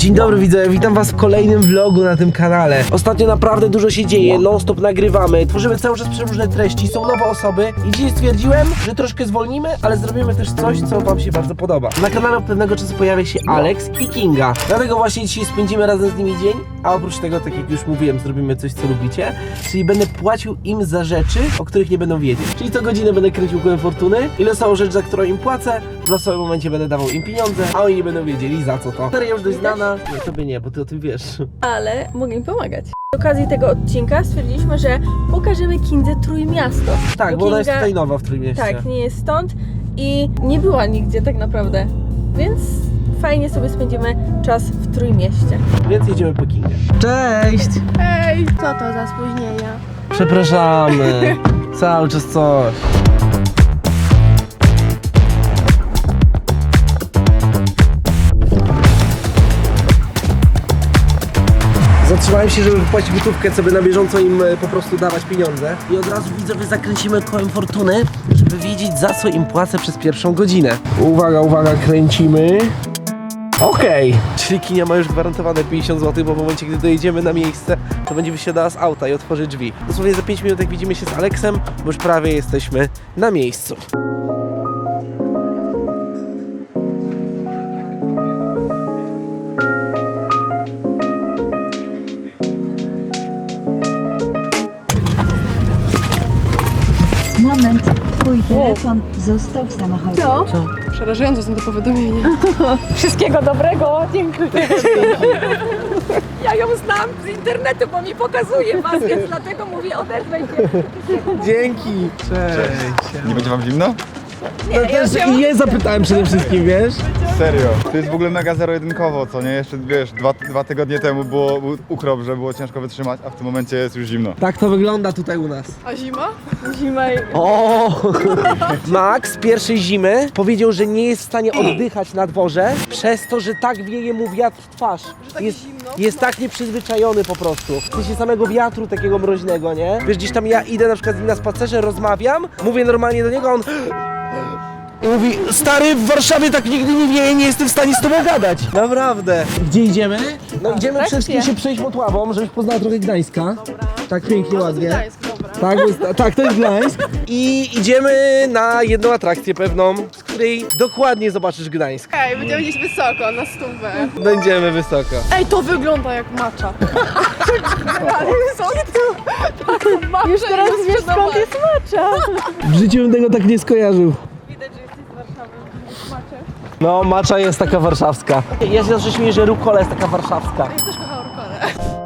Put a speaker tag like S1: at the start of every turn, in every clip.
S1: Dzień dobry widzowie, witam was w kolejnym vlogu na tym kanale. Ostatnio naprawdę dużo się dzieje, non stop nagrywamy, tworzymy cały czas przeróżne treści, są nowe osoby i dzisiaj stwierdziłem, że troszkę zwolnimy, ale zrobimy też coś, co wam się bardzo podoba. Na kanale od pewnego czasu pojawia się Alex i Kinga, dlatego właśnie dzisiaj spędzimy razem z nimi dzień, a oprócz tego, tak jak już mówiłem, zrobimy coś, co lubicie, czyli będę płacił im za rzeczy, o których nie będą wiedzieć. Czyli co godzinę będę kręcił kołem fortuny i losową rzecz, za którą im płacę, w losowym momencie będę dawał im pieniądze, a oni nie będą wiedzieli za co to. Seria już dość znana, nie, tobie nie, bo ty o tym wiesz.
S2: Ale mogę im pomagać. Z okazji tego odcinka stwierdziliśmy, że pokażemy Kindze Trójmiasto.
S1: Tak, bo ona jest tutaj nowa w Trójmieście.
S2: Tak, nie jest stąd i nie była nigdzie tak naprawdę, więc fajnie sobie spędzimy czas w Trójmieście.
S1: Więc jedziemy po Kingę. Cześć!
S2: Hej, co to za spóźnienia?
S1: Przepraszamy, cały czas coś. Zatrzymałem się, żeby wypłacić gotówkę, co by na bieżąco im po prostu dawać pieniądze. I od razu widzowie zakręcimy kołem fortuny, żeby wiedzieć, za co im płacę przez pierwszą godzinę. Uwaga, uwaga, kręcimy. Okej. Czyli Kinia ma już gwarantowane 50 zł, bo w momencie, gdy dojedziemy na miejsce, to będzie wysiadała z auta i otworzy drzwi. Dosłownie za 5 minut, jak widzimy się z Aleksem, bo już prawie jesteśmy na miejscu.
S3: Moment, twój telefon został w samochodzie.
S2: Co?
S4: Przerażające są te powiadomienia.
S2: Wszystkiego dobrego, dziękuję. Ja ją znam z internetu, bo mi pokazuje was, więc dlatego mówię, odezwę się.
S1: Dzięki. Cześć.
S5: Nie będzie wam zimno?
S1: I je zapytałem przede wszystkim, wiesz?
S5: Serio. To jest w ogóle mega zero-jedynkowo, co nie? Jeszcze wiesz, dwa tygodnie temu był ukrop, że było ciężko wytrzymać, a w tym momencie jest już zimno.
S1: Tak to wygląda tutaj u nas.
S4: A zima?
S2: Zima i...
S1: O! Max z pierwszej zimy powiedział, że nie jest w stanie oddychać na dworze, przez to, że tak wieje mu wiatr w twarz. Jest tak nieprzyzwyczajony po prostu. W sensie samego wiatru takiego mroźnego, nie? Wiesz, gdzieś tam ja idę na przykład z nim na spacerze, rozmawiam, mówię normalnie do niego, a on... I mówi, stary, w Warszawie tak nigdy nie wieje, nie jestem w stanie z tobą gadać. Naprawdę. Gdzie idziemy? No idziemy przede wszystkim się przejść Motławą, żebyś poznała trochę Gdańska. Tak pięknie, ładnie.
S4: Gdańsk, dobra.
S1: Tak, tak, to jest Gdańsk. I idziemy na jedną atrakcję pewną, z której dokładnie zobaczysz Gdańsk.
S4: Ej, będziemy gdzieś wysoko, na stówę.
S1: Będziemy wysoko.
S4: Ej, to wygląda jak macza. Ale co to? Macza
S2: Już teraz wiesz, skąd jest macza.
S1: W życiu bym tego tak nie skojarzył.
S4: Widać, że jesteś z Warszawy. Macze.
S1: No, macza jest taka warszawska. Ja się zawsze śmieję, że rukola jest taka warszawska.
S4: Ja też kocham rukolę.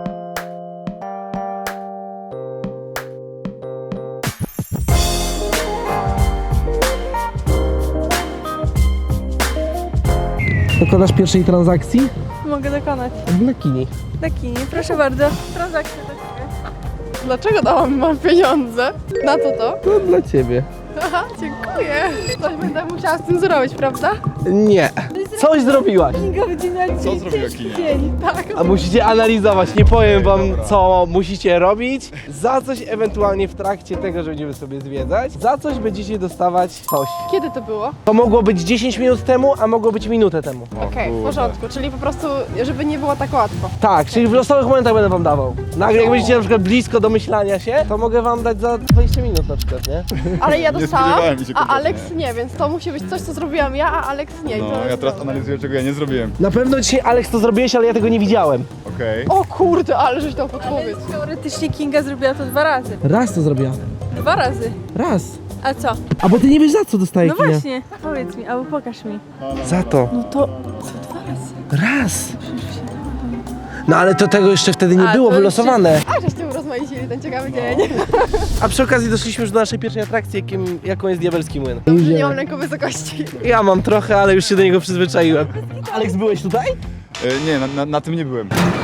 S1: Dokonasz pierwszej transakcji?
S2: Mogę dokonać.
S1: Na kini.
S2: Taki, proszę bardzo. Transakcja do ciebie.
S4: Dlaczego dałam wam pieniądze? Na co to?
S1: To dla ciebie.
S4: Aha, dziękuję. Coś będę musiała z tym zrobić, prawda?
S1: Nie. Coś zrobiłaś.
S5: Co zrobiła Kinia?
S4: Tak.
S1: A musicie analizować, nie powiem wam co musicie robić. Za coś ewentualnie w trakcie tego, że będziemy sobie zwiedzać, za coś będziecie dostawać coś.
S4: Kiedy to było?
S1: To mogło być 10 minut temu, a mogło być minutę temu.
S4: Okej, w porządku. Czyli po prostu, żeby nie było tak łatwo.
S1: Tak, czyli w losowych momentach będę wam dawał. Nagle jak będziecie na przykład blisko domyślania się, to mogę wam dać za 20 minut na przykład, nie?
S4: Ale ja dostałam,
S5: spodziewałem się
S4: a
S5: kompletnie.
S4: Alex nie, więc to musi być coś, co zrobiłam ja, a Alex nie. I
S5: No,
S4: to
S5: ja
S4: jest
S5: teraz
S4: dobre.
S5: analizuję, czego ja nie zrobiłem.
S1: Na pewno dzisiaj Alex to zrobiłeś, ale ja tego nie widziałem.
S5: Okej.
S4: O kurde, ale żeś dał podpowiedź.
S2: Teoretycznie Kinga zrobiła to 2 razy.
S1: Raz to zrobiła.
S2: 2 razy.
S1: Raz.
S2: A co?
S1: A bo ty nie wiesz za co dostaje
S2: No
S1: Kinia.
S2: właśnie, powiedz mi, albo pokaż mi.
S1: Za to.
S2: No to co 2 razy?
S1: Raz. No ale to tego jeszcze wtedy nie
S2: A,
S1: było
S2: to
S1: wylosowane.
S4: A żeście urozmaicili ten ciekawy dzień.
S1: A przy okazji doszliśmy już do naszej pierwszej atrakcji, jaką jest Diabelski Młyn.
S4: Dobrze, nie mam lęku wysokości.
S1: Ja mam trochę, ale już się do niego przyzwyczaiłem. Alex, byłeś tutaj?
S5: Nie, na tym nie byłem.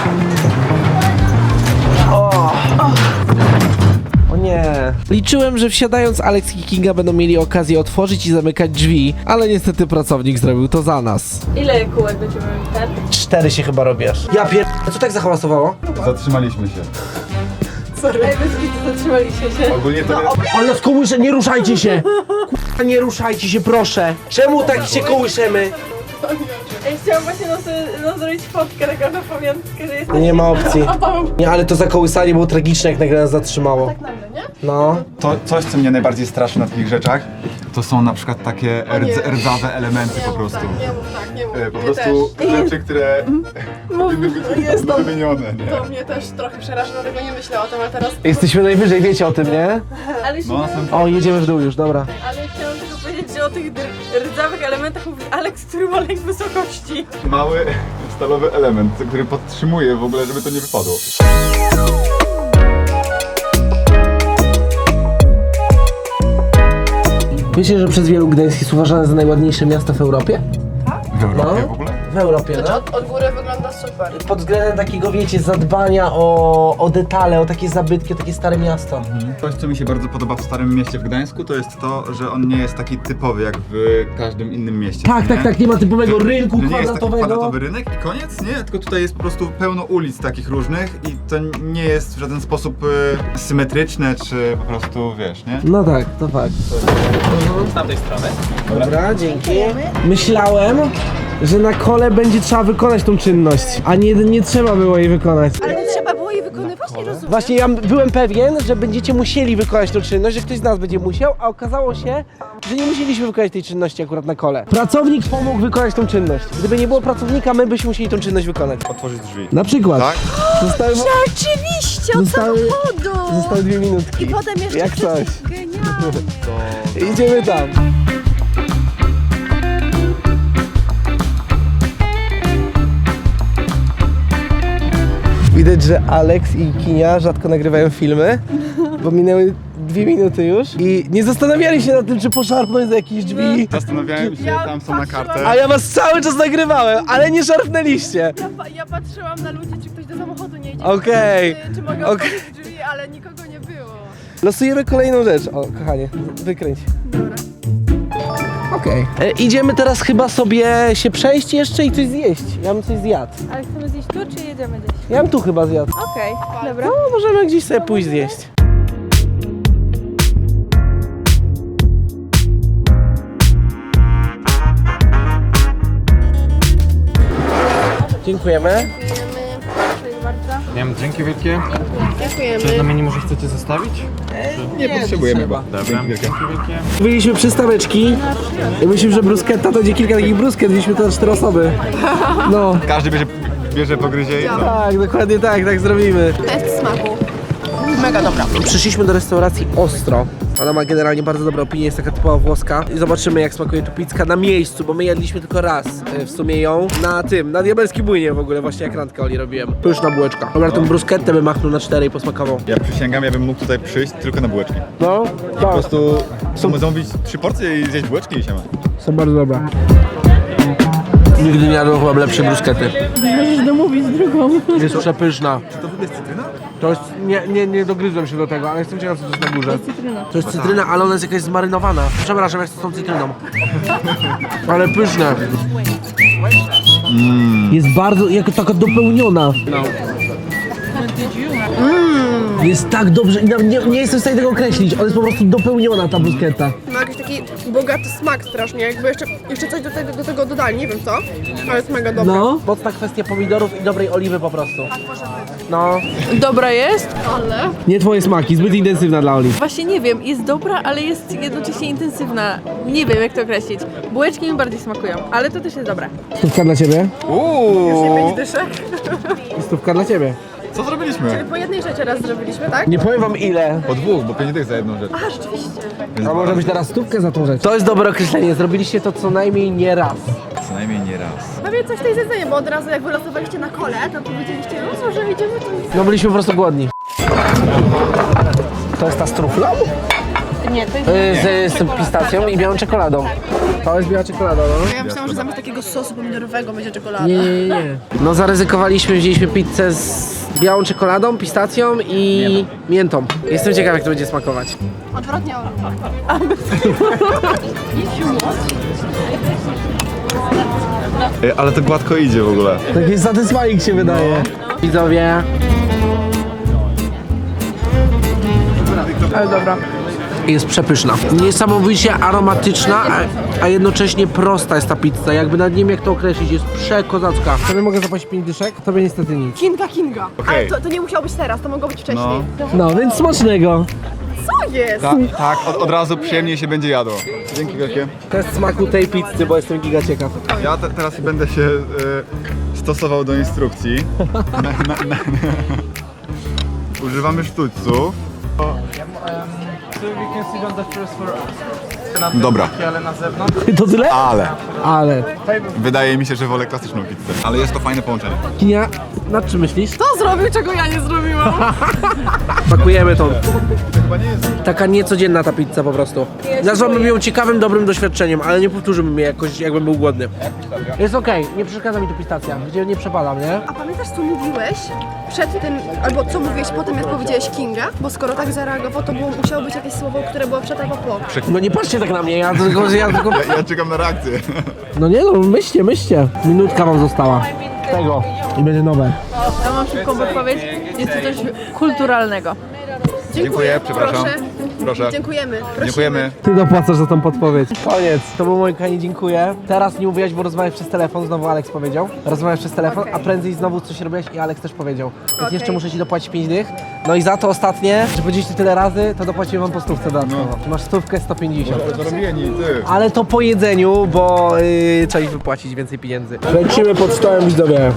S1: O nie. Liczyłem, że wsiadając Alex i Kinga będą mieli okazję otworzyć i zamykać drzwi, ale niestety pracownik zrobił to za nas.
S2: Ile kółek będziemy ten?
S1: 4 się chyba robisz. Ja co tak zahałasowało?
S5: Zatrzymaliśmy się.
S2: Sorry. Ej, bez kitu zatrzymaliście się.
S5: Ogólnie to
S1: Ale nas kołysze, nie ruszajcie się! Kurwa, nie ruszajcie się, proszę! Czemu tak się kołyszemy?
S4: Ja chciałam właśnie zrobić fotkę taką na pamiątkę, że jest...
S1: Nie ma opcji. Nie, ale to zakołysanie było tragiczne, jak nagle nas zatrzymało.
S4: Tak nagle, nie?
S1: No.
S5: To coś, co mnie najbardziej straszy na takich rzeczach, to są na przykład takie rdzawe elementy po prostu.
S4: Nie mów tak, nie mów.
S5: Po
S4: Mnie
S5: prostu rzeczy, które
S4: jest to,
S5: wymienione, nie?
S4: to mnie też trochę przeraża, dlatego nie myślę o tym, ale teraz...
S1: Jesteśmy najwyżej, wiecie o tym, nie?
S4: Ale się
S5: No, na samym
S1: O, jedziemy w dół już, dobra.
S4: Ale chciałam tylko powiedzieć, że o tych rdzawych elementach mówi Aleks, który ma lęk wysokości.
S5: mały stalowy element, który podtrzymuje w ogóle, żeby to nie wypadło.
S1: Wiecie, że przez wielu Gdańsk jest uważane za najładniejsze miasto w Europie?
S5: W Europie
S1: No.
S5: w ogóle?
S1: W Europie,
S4: Znaczy
S1: no.
S4: od góry wygląda super.
S1: Pod względem takiego, wiecie, zadbania o detale, o takie zabytki, o takie stare miasto.
S5: Coś, co mi się bardzo podoba w Starym Mieście w Gdańsku, to jest to, że on nie jest taki typowy jak w każdym innym mieście.
S1: Tak, tak, tak, nie ma typowego rynku
S5: To nie jest taki
S1: kwadratowego.
S5: kwadratowy rynek i koniec, nie? Tylko tutaj jest po prostu pełno ulic takich różnych i to nie jest w żaden sposób symetryczne, czy po prostu, wiesz, nie?
S1: No tak, to fakt.
S6: Z tamtej strony.
S1: Dobra, dzięki. Myślałem, że na kole będzie trzeba wykonać tą czynność, a nie trzeba było jej wykonać.
S4: Ale nie trzeba było jej wykonywać, nie rozumiem.
S1: Właśnie ja byłem pewien, że będziecie musieli wykonać tą czynność, że ktoś z nas będzie musiał, a okazało się, że nie musieliśmy wykonać tej czynności akurat na kole. Pracownik pomógł wykonać tą czynność. Gdyby nie było pracownika, my byśmy musieli tą czynność wykonać.
S5: Otworzyć drzwi.
S1: Na przykład.
S5: Tak?
S1: Zostały,
S4: Rzeczywiście, od
S1: Zostały-
S4: samochodu!
S1: zostały 2 minutki.
S4: I potem jeszcze
S1: Jak coś.
S4: Genialnie.
S1: Idziemy tam. Widać, że Alex i Kinia rzadko nagrywają filmy, bo minęły 2 minuty już i nie zastanawiali się nad tym, czy poszarpnąć za jakieś drzwi.
S5: Zastanawiałem się, tam są na kartę.
S1: A ja was cały czas nagrywałem, ale nie szarpnęliście.
S4: Ja patrzyłam na ludzi, czy ktoś do samochodu nie idzie.
S1: Okej.
S4: Czy mogę
S1: Okej.
S4: otworzyć drzwi, ale nikogo nie było.
S1: Losujemy kolejną rzecz. O, kochanie, wykręć. Okej. Idziemy teraz chyba sobie się przejść jeszcze i coś zjeść. Ja bym coś zjadł.
S2: Ale chcemy zjeść tu, czy jedziemy gdzieś?
S1: Ja bym tu chyba zjadł.
S2: Okej, dobra.
S1: No, możemy gdzieś sobie pójść zjeść. Dziękujemy.
S2: Dziękuję bardzo.
S6: Nie wiem, dzięki wielkie.
S4: Dziękujemy.
S6: Coś na mnie nie może chcecie zostawić?
S5: Nie potrzebujemy chyba.
S6: Dobra,
S5: Dzięki wielkie.
S6: dzięki wielkie.
S1: Byliśmy przystaweczki i myślę, że bruschetta to będzie kilka takich brusket, wzięliśmy to na 4 osoby. No.
S5: Każdy bierze pogryzie i co?
S1: Tak, dokładnie tak zrobimy.
S4: Test smaku. Mega dobra.
S1: Przyszliśmy do restauracji Ostro. Ona ma generalnie bardzo dobre opinie, jest taka typowa włoska. I zobaczymy, jak smakuje tu pizza na miejscu, bo my jedliśmy tylko raz w sumie ją na diabelskim młynie w ogóle, właśnie jak randkę Oli robiłem. Pyszna bułeczka. Dobra, tą bruschettę bym machnął na 4 i posmakował.
S5: Ja przysięgam, ja bym mógł tutaj przyjść tylko na bułeczki.
S1: No,
S5: Po
S1: tak,
S5: prostu zamówić 3 porcje i zjeść bułeczki i się ma.
S1: są bardzo dobre. Nigdy nie jadłem chyba lepszej bruskety.
S4: Możesz domówić drugą.
S1: Jest przepyszna.
S5: Czy to w ogóle jest cytryna?
S1: To jest, nie dogryzłem się do tego, ale jestem ciekaw, co to jest na górze. To jest cytryna, ale ona jest jakaś zmarynowana. Przepraszam, jak z tą cytryną. Ale pyszne. Jest bardzo, jako taka dopełniona. Jest tak dobrze i nawet nie jestem w stanie tego określić. Ona jest po prostu dopełniona, ta bruschetta.
S4: Ma jakiś taki bogaty smak strasznie, jakby jeszcze coś do tego dodali, nie wiem co, ale jest mega dobre.
S1: No. Mocna kwestia pomidorów i dobrej oliwy po prostu. No.
S2: Dobra jest?
S4: Ale...
S1: Nie twoje smaki, zbyt intensywna dla Oli.
S2: Właśnie nie wiem, jest dobra, ale jest jednocześnie intensywna. Nie wiem, jak to określić. Bułeczki mi bardziej smakują, ale to też jest dobre.
S1: Stówka dla ciebie?
S5: Uuu,
S4: Dyszek.
S1: I stówka dla ciebie.
S5: co zrobiliśmy?
S4: Po jednej rzeczy raz zrobiliśmy, tak?
S1: Nie powiem wam ile.
S5: Po 2, bo 5 dych za jedną rzecz.
S4: A, rzeczywiście.
S5: Więc
S1: A może być teraz stówkę za tą rzecz. To jest dobre określenie, zrobiliście to co najmniej nie raz.
S5: co najmniej nie raz.
S4: Prawie coś tej zjedzenia, bo od razu jak wylosowaliście na kole, to powiedzieliście, no że idziemy tu.
S1: No byliśmy po prostu głodni. To jest ta z truflą?
S2: Nie, to jest...
S1: Z pistacją i białą czekoladą. To jest biała czekolada, no.
S4: Ja myślałam, że zamiast takiego sosu pomidorowego będzie czekolada.
S1: Nie. No zaryzykowaliśmy, wzięliśmy pizzę z białą czekoladą, pistacją i miętą. Jestem ciekaw, jak to będzie smakować.
S4: Odwrotnie.
S5: Ale to gładko idzie w ogóle.
S1: Taki satysfying się wydaje. Widzowie.
S2: Ale dobra.
S1: Jest przepyszna. Niesamowicie aromatyczna, a jednocześnie prosta jest ta pizza. Jakby nawet nie wiem jak to określić, jest przekozacka. Tobie mogę zapłacić 5 dyszek? Tobie niestety nic.
S4: Kinga.
S5: Okej.
S4: Ale to nie musiało być teraz, to mogło być wcześniej.
S5: No.
S1: No, więc smacznego.
S4: Co jest?
S5: Tak, od razu przyjemniej się będzie jadło. Dzięki wielkie.
S1: Test smaku tej pizzy, bo jestem giga ciekaw.
S5: Ja teraz będę się stosował do instrukcji. Używamy sztućców.
S6: So we can sit on the first floor.
S5: Dobra,
S6: Ale na zewnątrz.
S1: To tyle? Ale.
S5: wydaje mi się, że wolę klasyczną pizzę. Ale jest to fajne połączenie.
S1: Kinia, nad czym myślisz?
S4: To zrobił, czego ja nie zrobiłam.
S1: Pakujemy to.
S5: To chyba nie jest...
S1: Taka niecodzienna ta pizza po prostu. Nazwałbym ją ciekawym, dobrym doświadczeniem, ale nie powtórzyłbym jej jakoś, jakbym był głodny. Jest okej, nie przeszkadza mi tu pistacja, gdzie nie przepalam, nie?
S4: A pamiętasz, co mówiłeś przed tym, albo co mówiłeś po tym, jak powiedziałeś Kinga? Bo skoro tak zareagował, to musiało być jakieś słowo, które było przed albo po.
S1: No nie patrzcie tak na mnie, ja tylko...
S5: Ja czekam na reakcję.
S1: No nie no, myślcie. Minutka wam została. Tego. I będzie nowe.
S7: Ja mam szybką podpowiedź. Jest to coś kulturalnego.
S5: Dziękuję, przepraszam. Proszę.
S4: Dziękujemy. Prosimy.
S5: Dziękujemy.
S1: Ty dopłacasz za tą podpowiedź. Koniec. To był mój kochani, dziękuję. Teraz nie mówiłaś, bo rozmawiasz przez telefon, znowu Aleks powiedział. Rozmawiasz przez telefon, a prędzej znowu coś robiłaś i Aleks też powiedział. Więc jeszcze muszę ci dopłacić 5 dych. No i za to ostatnie, że powiedzieliście tyle razy, to dopłaciłem wam po stówce dodatkowo. Masz stówkę 150.
S5: Zarobieni, ty.
S1: Ale to po jedzeniu, bo trzeba ich wypłacić więcej pieniędzy. Lecimy pod stołem, widzowie.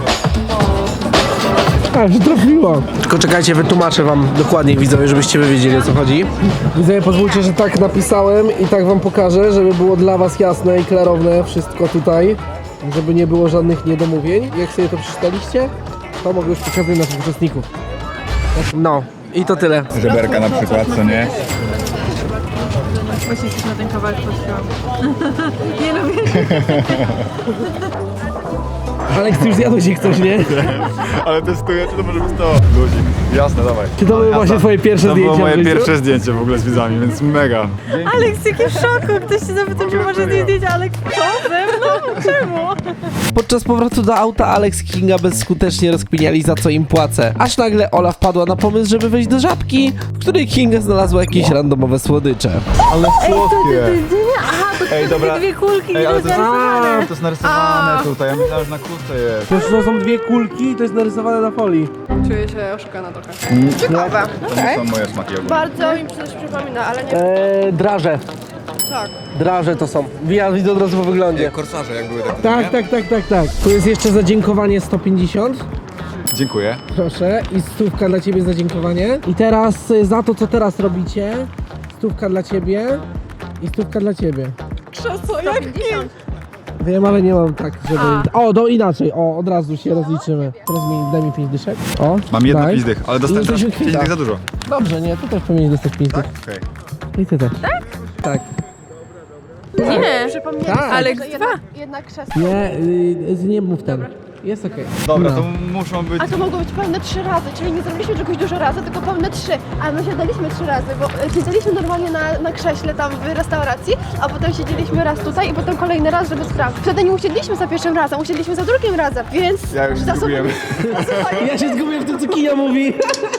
S1: A, że trafiło. Tylko czekajcie, wytłumaczę wam dokładniej, widzowie, żebyście wy wiedzieli, o co chodzi. Widzowie, pozwólcie, że tak napisałem i tak wam pokażę, żeby było dla was jasne i klarowne wszystko tutaj. Żeby nie było żadnych niedomówień. Jak sobie to przeczytaliście, to mogę już pokazać naszych uczestników. No, i to tyle.
S5: Żeberka na przykład, co nie?
S7: Właśnie coś na ten kawałek patrzyłam. Nie lubię.
S1: Aleks, ty już zjadłeś ich coś, nie?
S5: Ale testuję, czy to może być to? Luzik. Jasne, dawaj.
S1: Czy to były właśnie twoje pierwsze
S5: To
S1: zdjęcia
S5: było moje
S1: w życiu?
S5: pierwsze zdjęcie w ogóle z widzami, więc mega.
S7: Aleks, jaki w szoku. Ktoś się zapytał, czy może zdjęć, Aleks, co ze mną? Czemu?
S1: Podczas powrotu do auta Alex i Kinga bezskutecznie rozkminiali, za co im płacę. Aż nagle Ola wpadła na pomysł, żeby wejść do żabki, w której Kinga znalazła jakieś randomowe słodycze.
S5: Ale słodkie.
S7: Aha, to
S5: Ej, dobra.
S7: dwie kulki,
S5: Ej, ale to jest,
S7: narysowane.
S5: to jest narysowane tutaj, ja myślałem, że na kurce jest.
S1: To są dwie kulki, to jest narysowane na folii.
S4: Czuję się oszukana trochę.
S5: Ciekawe. To nie są moje smaki ogólnie.
S4: Bardzo mi coś przypomina, ale nie...
S1: Draże.
S4: Tak.
S1: Draże to są. Ja widzę od razu po wyglądzie.
S5: Korsarze jak były takie,
S1: Tak. Tu jest jeszcze za dziękowanie 150.
S5: Dziękuję.
S1: Proszę. I stówka dla ciebie za dziękowanie. I teraz za to, co teraz robicie, stówka dla ciebie i stówka dla ciebie.
S4: Krzesło, jak
S1: Wiem, ale nie mam tak, żeby... O, to inaczej. O, od razu się rozliczymy. Teraz daj mi 5 dyszek. O,
S5: Mam jedno
S1: daj.
S5: 5 dych, ale dostałem
S1: I
S5: teraz
S1: jesteśmy
S5: 5
S1: kwita.
S5: dych za dużo.
S1: Dobrze, nie, ty też powinieneś dostać 5 dych.
S5: Tak? Okej.
S1: I ty też. Tak?
S7: Nie.
S4: Przypomnieli
S1: Tak.
S4: sobie,
S7: Aleks,
S4: że
S7: dwa.
S4: jednak krzesło.
S1: Nie, nie mów ten. Jest okej.
S5: Dobra,
S1: No.
S5: to muszą być...
S4: A to mogło być pełne 3 razy, czyli nie zrobiliśmy czegoś dużo razy, tylko pełne 3. A my siadaliśmy 3 razy, bo siedzieliśmy normalnie na krześle tam w restauracji, a potem siedzieliśmy raz tutaj i potem kolejny raz, żeby sprawdzić. Wtedy nie usiedliśmy za pierwszym razem, usiedliśmy za drugim razem, więc...
S5: Ja już
S4: za sobą-
S5: zgubiłem.
S1: Ja się zgubię w tym, co Kinia mówi.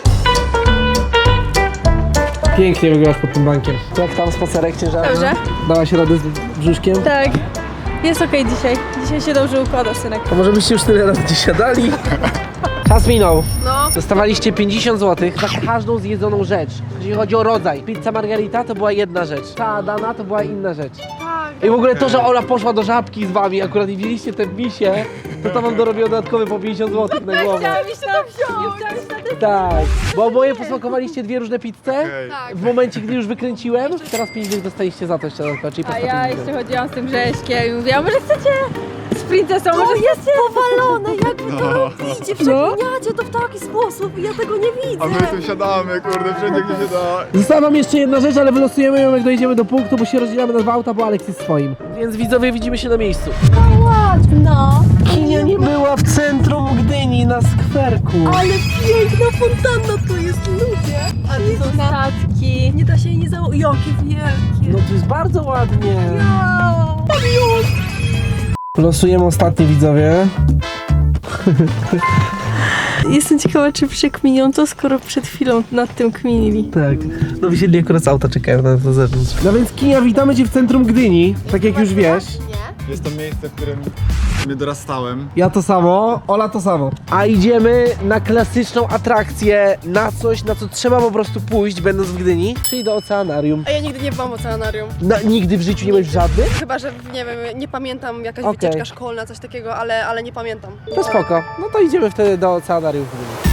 S1: Pięknie wygrasz pod tym bankiem. Jak tam spacerek ciężarny?
S7: Dobrze.
S1: Dałaś radę z brzuszkiem?
S7: Tak. Jest okej dzisiaj. Dzisiaj się dobrze układa, synek.
S1: To może byście już tyle razy gdzieś siadali? Czas minął.
S4: No.
S1: Dostawaliście 50 zł za każdą zjedzoną rzecz. Jeżeli chodzi o rodzaj. Pizza margarita to była jedna rzecz. Ta dana to była inna rzecz.
S4: Tak.
S1: I w ogóle to, że Ola poszła do żabki z wami, akurat i wzięliście te misie, to wam dorobiło dodatkowe po 50 zł na głowę.
S7: Chciałam iść na wziąć. Nie chciałam iść na ten...
S1: Tak, bo oboje posmakowaliście dwie różne pizze.
S5: Okej.
S4: Tak.
S1: W momencie, gdy już wykręciłem, teraz 5 dych dostaliście za to jeszcze dodatkowo, czyli po
S7: A
S1: 150
S7: ja
S1: zł.
S7: jeszcze chodziłam z tym Grześkiem i mówiłam, może chcecie z princesą, może chcecie?
S4: Powalone, jak wy to robicie,
S1: No.
S4: przekminiacie to w taki sposób i ja tego nie widzę.
S5: A my tu siadamy, kurde, wszędzie gdzie się da.
S1: Została wam jeszcze jedna rzecz, ale wylosujemy ją, jak dojedziemy do punktu, bo się rozdzielamy na 2 auta, bo Aleks jest swoim. Więc widzowie, widzimy się na miejscu.
S4: Ładna,
S1: Kinia nie była w centrum Gdyni, na skwerku.
S4: ale piękna fontanna to jest, ludzie. A to są
S7: Statki.
S4: Nie da się jej nie założyć. Jakie wielkie.
S1: No to jest bardzo ładnie.
S4: Wow.
S1: Losujemy ostatni, widzowie.
S7: Jestem ciekawa, czy przekminią to, skoro przed chwilą nad tym kminili.
S1: Tak. No wysiedli akurat z auta, czekają na zewnątrz. No więc Kinia, witamy Cię w centrum Gdyni, tak jak już wiesz.
S5: Jest to miejsce, w którym mnie dorastałem.
S1: Ja to samo, Ola to samo. A idziemy na klasyczną atrakcję, na coś, na co trzeba po prostu pójść, będąc w Gdyni, czyli do oceanarium.
S4: A ja nigdy nie byłam w oceanarium.
S1: No, nigdy w życiu nie byłeś w żadnym?
S4: Chyba, że nie wiem, nie pamiętam, jakaś
S1: Okej.
S4: wycieczka szkolna, coś takiego, ale nie pamiętam.
S1: To spoko. No to idziemy wtedy do oceanarium w Gdyni.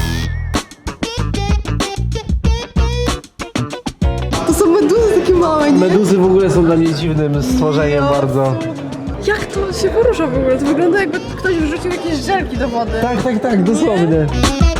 S4: To są meduzy takie małe, nie?
S1: Meduzy w ogóle są dla mnie dziwnym stworzeniem bardzo.
S4: Jak to się porusza w ogóle? To wygląda, jakby ktoś wrzucił jakieś żelki do wody.
S1: Tak, dosłownie.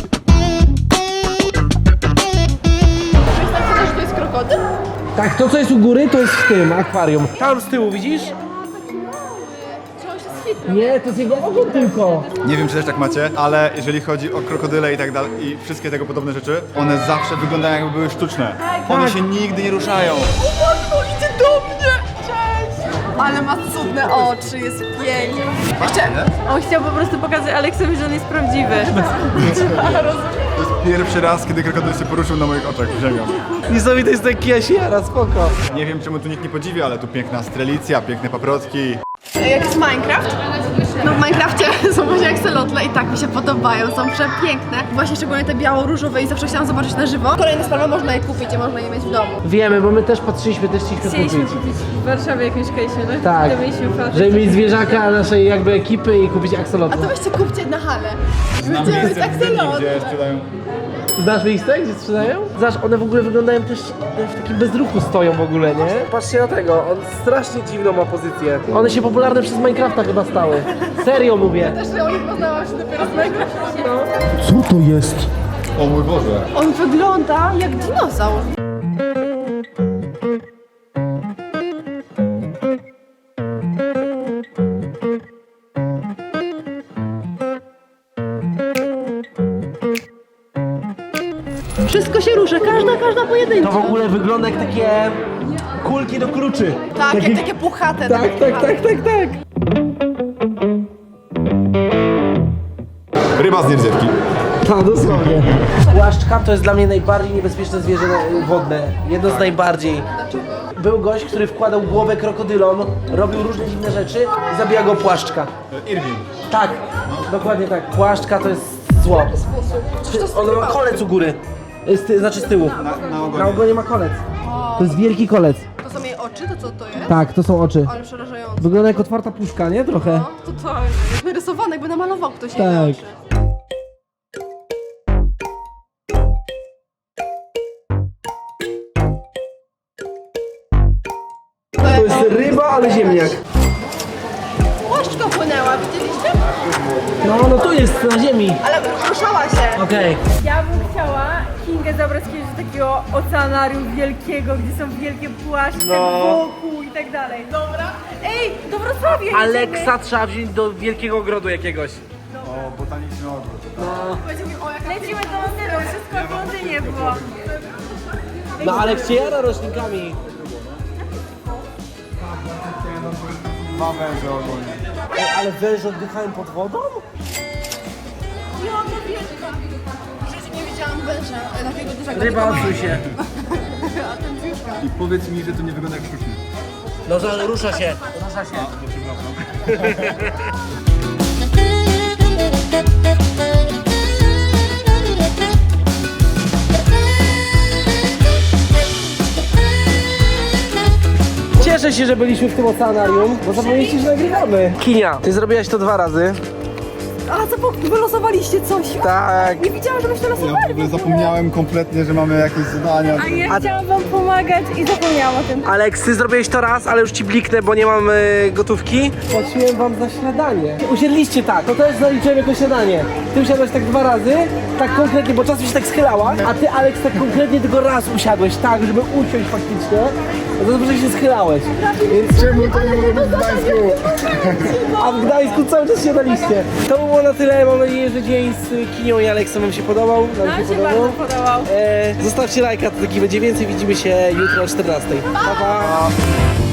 S4: Myślę, że to jest krokodyl?
S1: Tak, to co jest u góry, to jest w tym akwarium. Tam z tyłu, widzisz?
S4: Czy on się schitnął?
S1: Nie, to jest jego ogon tylko.
S5: Nie wiem, czy też tak macie, ale jeżeli chodzi o krokodyle i tak dalej i wszystkie tego podobne rzeczy, one zawsze wyglądają jakby były sztuczne. One się nigdy nie ruszają.
S4: O, idzie do mnie! Cześć! Ale ma cudne oczy, jest piękny. Jeszcze,
S7: On chciał po prostu pokazać Aleksowi, że on jest prawdziwy.
S5: To jest pierwszy raz, kiedy krokodyl się poruszył na moich oczach, ziemią.
S1: Niesamowite jest taki jasiara, spoko.
S5: Nie wiem, czemu tu nikt nie podziwi, ale tu piękna strelicja, piękne paprotki.
S4: jak jest Minecraft. No w Minecrafcie są właśnie akselotle i tak mi się podobają, są przepiękne. Właśnie szczególnie te biało-różowe i zawsze chciałam zobaczyć na żywo. Kolejna sprawa, można je kupić i można je mieć w domu.
S1: Wiemy, bo my też patrzyliśmy, też chcieliśmy
S7: Chcieliśmy
S1: kupić.
S7: kupić w Warszawie jakąś kejsie, no?
S1: Tak.
S7: To mieliśmy patrzeć.
S1: Żeby mieć zwierzaka naszej jakby ekipy i kupić
S4: A
S1: aksolotla.
S4: to weźcie kupcie na halę.
S5: Znam
S4: Będziemy
S5: miejsce
S4: mieć
S5: w Gdyni,
S4: akselotl.
S5: gdzie sprzedają.
S1: Znasz miejsce, gdzie sprzedają? Zobacz, one w ogóle wyglądają też w takim bezruchu stoją w ogóle, nie? Patrzcie na tego, on strasznie dziwną ma pozycję. One się popularne przez Minecrafta chyba stały. Serio mówię.
S4: Też ja o nich poznałam się dopiero z Minecrafta.
S1: Co to jest?
S5: O mój Boże.
S4: On wygląda jak dinozaur. Wszystko się rusza, każda pojedynczo.
S1: To w ogóle wygląda jak takie kulki do kluczy.
S4: Tak, jak takie puchate.
S1: Tak.
S5: Ryba z nierdziewki.
S1: Tak, dosłownie. Płaszczka to jest dla mnie najbardziej niebezpieczne zwierzę wodne. Jedno z najbardziej. Był gość, który wkładał głowę krokodylom, robił różne dziwne rzeczy i zabija go płaszczka.
S5: Irwin.
S1: Tak, dokładnie tak. Płaszczka to jest zło. Ono ma kolec u góry. Znaczy z tyłu.
S5: Na ogonie.
S1: Na ogonie ma kolec. To jest wielki kolec.
S4: To są jej oczy, to co to jest?
S1: Tak, to są oczy.
S4: Ale przerażające.
S1: Wygląda jak otwarta puszka, nie? Trochę.
S4: No, totalnie. Narysowane, jakby namalował ktoś jej
S1: Tak.
S4: oczy.
S1: To jest ryba, ale ziemniak.
S4: Płaszczka płynęła, widzieliście?
S1: No tu jest, na ziemi.
S4: Ale ruszała się.
S1: Okej.
S7: Ja bym chciała Kingę zabrać kiedyś do takiego oceanarium wielkiego, gdzie są wielkie płaszcze wokół i tak dalej. Dobra. Ej, do Wrocławia jedziemy.
S1: Aleksa trzeba wziąć do wielkiego ogrodu jakiegoś.
S5: O, botaniczny ogród.
S7: Lecimy do Londynu, wszystko w Londynie było.
S1: No Aleks się jara roślinkami.
S5: Dwa węże ogólnie.
S1: Ej, ale węże oddychają pod wodą?
S4: W życiu nie widziałam węża takiego dużego.
S1: Ryba,
S4: tylko
S1: odsuń się.
S5: I powiedz mi, że to nie wygląda jak sztuczne.
S1: No że rusza się. Rusza się. Cieszę się, że byliśmy w tym oceanarium, bo zapomnieliście, że nagrywamy. Kinia, ty zrobiłaś to 2 razy.
S4: A co, wylosowaliście coś?
S1: Tak.
S4: Nie widziałam, żebyś to
S5: Ja
S4: losowali.
S5: w ogóle zapomniałem kompletnie, że mamy jakieś zadania.
S7: A ja chciałam wam pomagać i zapomniałam o tym.
S1: Aleks, ty zrobiłeś to raz, ale już ci bliknę, bo nie mam gotówki. Płaciłem wam za śniadanie. Usiedliście tak, to też zaliczyłem jako śniadanie. Ty usiadłeś tak 2 razy, tak konkretnie, bo czasem się tak schylała, a ty, Aleks, tak konkretnie tylko raz usiadłeś, tak, żeby usiąść faktycznie. No to dobrze, że się schylałeś. Więc
S5: Czemu to nie może być w Gdańsku?
S1: a w Gdańsku cały czas siadaliście. To było na tyle, mam nadzieję, że dzień z Kinią i Aleksem wam się podobał.
S7: Nam się bardzo podobał.
S1: Zostawcie lajka, to taki będzie więcej, widzimy się jutro o 14. Pa, pa.